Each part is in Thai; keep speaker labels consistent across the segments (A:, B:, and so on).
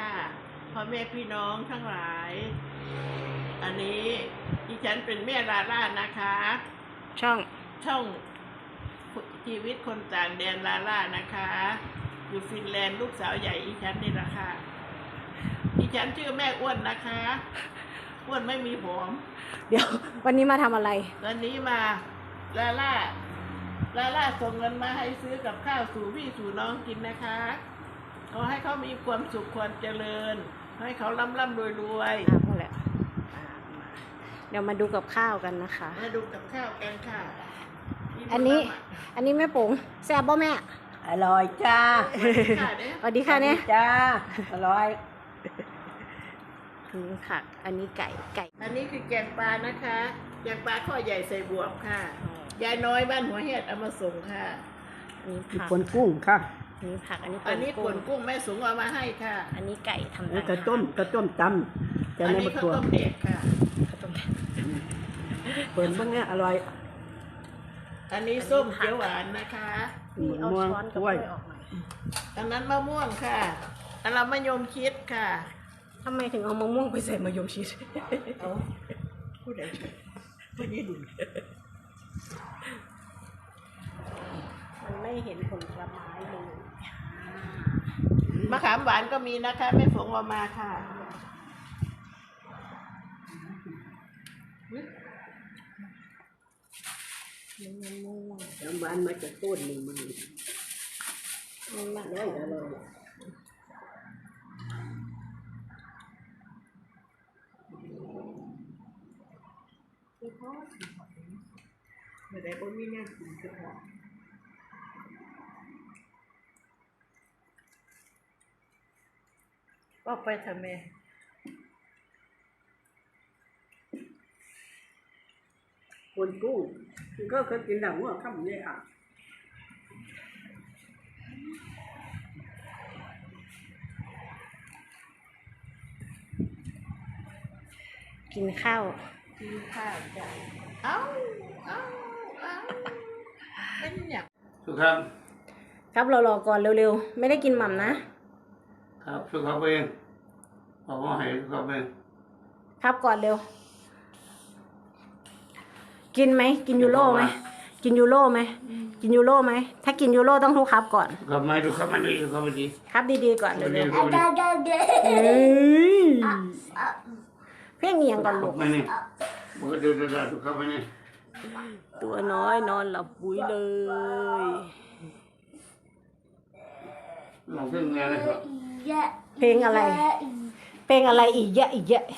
A: ค่ะพ่อแม่พี่น้องทั้งหลายอันนี้ดิฉันเป็นแม่ลาล่านะคะช่องชีวิตคนต่างแดนลาล่านะคะอยู่ฟินแลนด์ลูกสาวใหญ่ดิฉันนี่แหละค่ะดิฉันชื่อแม่อ้วนนะคะอ้วนไม่มีผม
B: เดี๋ยววันนี้มาทำอะไร
A: วันนี้มาลาล่าส่งเงินมาให้ซื้อกับข้าวสู่พี่สู่น้องกินนะคะขอให้เขามีความสุขความเจริญให้เขาร่ำรวย
B: พอแล้วเดี๋ยวมาดูกับข้าวกันนะคะ
A: มาดูกับข้าวกันค่ะ
B: อันนี้แม่ปุ๋งแซ่บบ่แม่
C: อร่อยจ้า
B: สวัสดีค่ะเนี่ย
C: จ้าอร่อย
B: ถึงผักอันนี้ไก่
A: อันนี้คือแกงปลานะคะแกงปลาข้อใหญ่ใส่บวบค่ะยายน้อยบ้านหัวเห็ดเอามาส่งค่ะ
B: นี่ผัก
C: ป่นกุ้งค่ะ
B: อันนี้ผักอันนี้
A: ป่นกุ้งแม่สูงเอามาให้ค่ะ
B: อันนี้ไก่ทำ
C: กระต้มตำ
A: อันนี้ข้าวต้มเด็กค่ะ
C: เปิดบ้างเนี่ยอร่อย
A: อันนี้ส้มเขียวหวานนะคะ
B: เอาช้อนกับถ้วยออกหน่อย
A: อันนั้นมะม่วงค่ะอันเรามะยมชิดค่ะ
B: ทำไมถึงเอามะม่วงไปใส่มะยมชิด
A: เอาพูดได้พูดยืดดุ
B: มันไม่เห็นผลไม้เลย
A: มะขามหวานก็มีนะคะแม่ฝงเอามาค่ะ
C: น้ำหวานมาจากต้นนี่มันอร่อย
A: ไม่ได้บ่มีแน่กินก็พอก็ไปทำไม
C: ป่นกุ้งก็เคยกินหนังว่าทำเนี่ยอ่ะ
B: กินข้าว
A: จ้ะเอาเป็นอย่าง
D: สุขครับ
B: ครับรอก่อนเร็วๆไม่ได้กินหม่ำนะครับ
D: สุขครับเองบอกว่าให้สุขครับเอง
B: ครับก่อนเร็วกินไหมกินยูโรไหมกินยูโรไหมกินยูโรไหมถ้ากินยูโรต้องทุกครับก่อน
D: ครับไม่ทุกครับไม่ดีทุกครับไม่ดี
B: ครับดีๆก่อนเร็วเพ่งเงียงก่อนลูก
D: ไม่นี่มันก็เดือดทุกครับไม่นี่
B: ตัวน้อยนอนหลับปุ๋ยเลย
D: ลองเพลงไงนะครับ
B: เพลงอะไรอีกเยอะ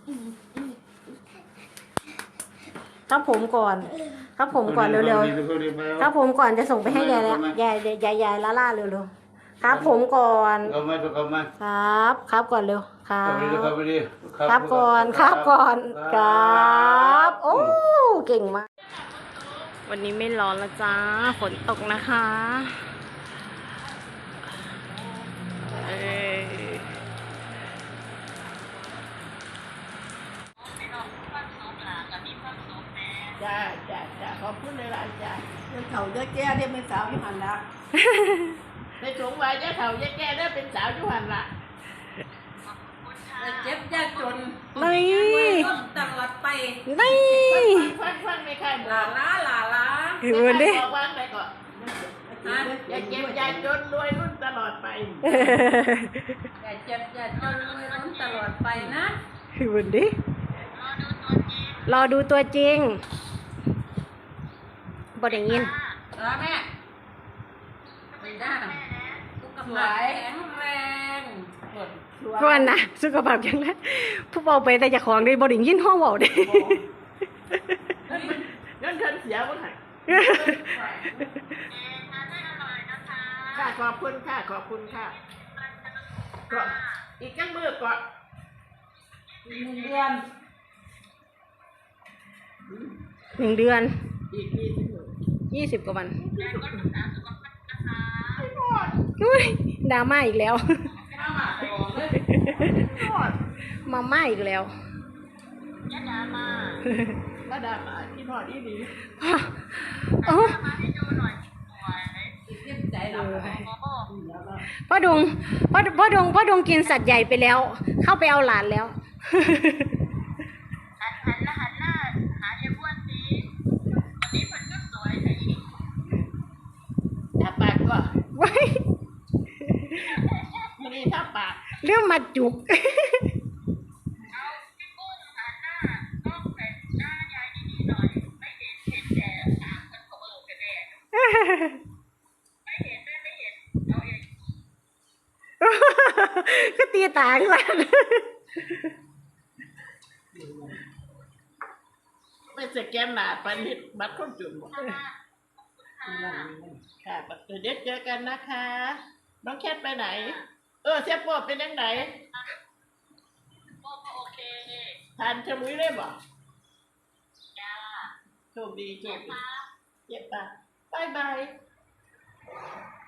B: ครับผมก่อนเร็วๆครับผมก่อนจะส่งไปให้ยายแล้วยายล่าเร็วๆครับผมก่อนครับก่อนเร็วครับก่อนครับโอ้เก่งมากวันนี้ไม่ร้อนแล้วจ้าฝนตกนะคะ
A: จ้าขอบคุณเลยล่ะจ้าเรื่องเขาเยอะแก่ได้เป็นสาวยุหันละในสงวัยเจ้าเขาเยอะแก่ได้เป็นสาวยุหันละเจ็บยากจน
B: นี่
A: ตลอดไป
B: นี่
A: ฟังไม่ค่อยลา
B: ดิ
A: บอกว่าไปก่อนอย่าเจ็บอย่าจนรวยรุ่นตลอดไป
C: อย่าเจ็บอย่าจนรวยรุ่นตลอดไปนะ
B: ดิรอดูตัวจริงบ่ได้ยิน
C: แม่ไม่ได้สุขภาพแข็งแรง
B: เพราะว่านะสุขภาพแข็งแรงผู้เบาไปแต่จะของได้บ่ได้ยินห้องเบาได้
A: เงินเสียบ่ไหนค่ะขอบคุณค่ะก็อีกจังมือก่อน
B: 1 เดือน
A: อีก
B: 20 กว่าวันดราม่าอีกแล้วมาม่าอีกแล้ว
A: มาดราม่าที่พอดีดี
B: โอ้
C: ใจเรา
B: พ่อดงกินสัตว์ใหญ่ไปแล้ว เข้าไปเอาหลานแล้ว
A: หันหน้าหาเยบ้วนสิวันนี้มันก็สวยแต่อีกถ้าปากก็
B: ไว้
A: มันนี่ถ้าปาก
B: เรื่องมาจุก
A: เอาพี่กุ้งหันหน้าต้องแต่หน้ายายดีๆหน่อยไม่เห็นแต่ปากมันเขากันแน่ไม่เห็นเอาเอง
B: ก็ตีตาขึ้นมา
A: ไม่สแกนหน้าไปนิดบัตรคนจนหมดค่ะเดี๋ยวเจอกันนะคะ น้องแคทไปไหน เสียโป้เป็นยังไงโป้โอเคทานชะมุยได้บ่จ้าโชคดีเจ็บปะบายบาย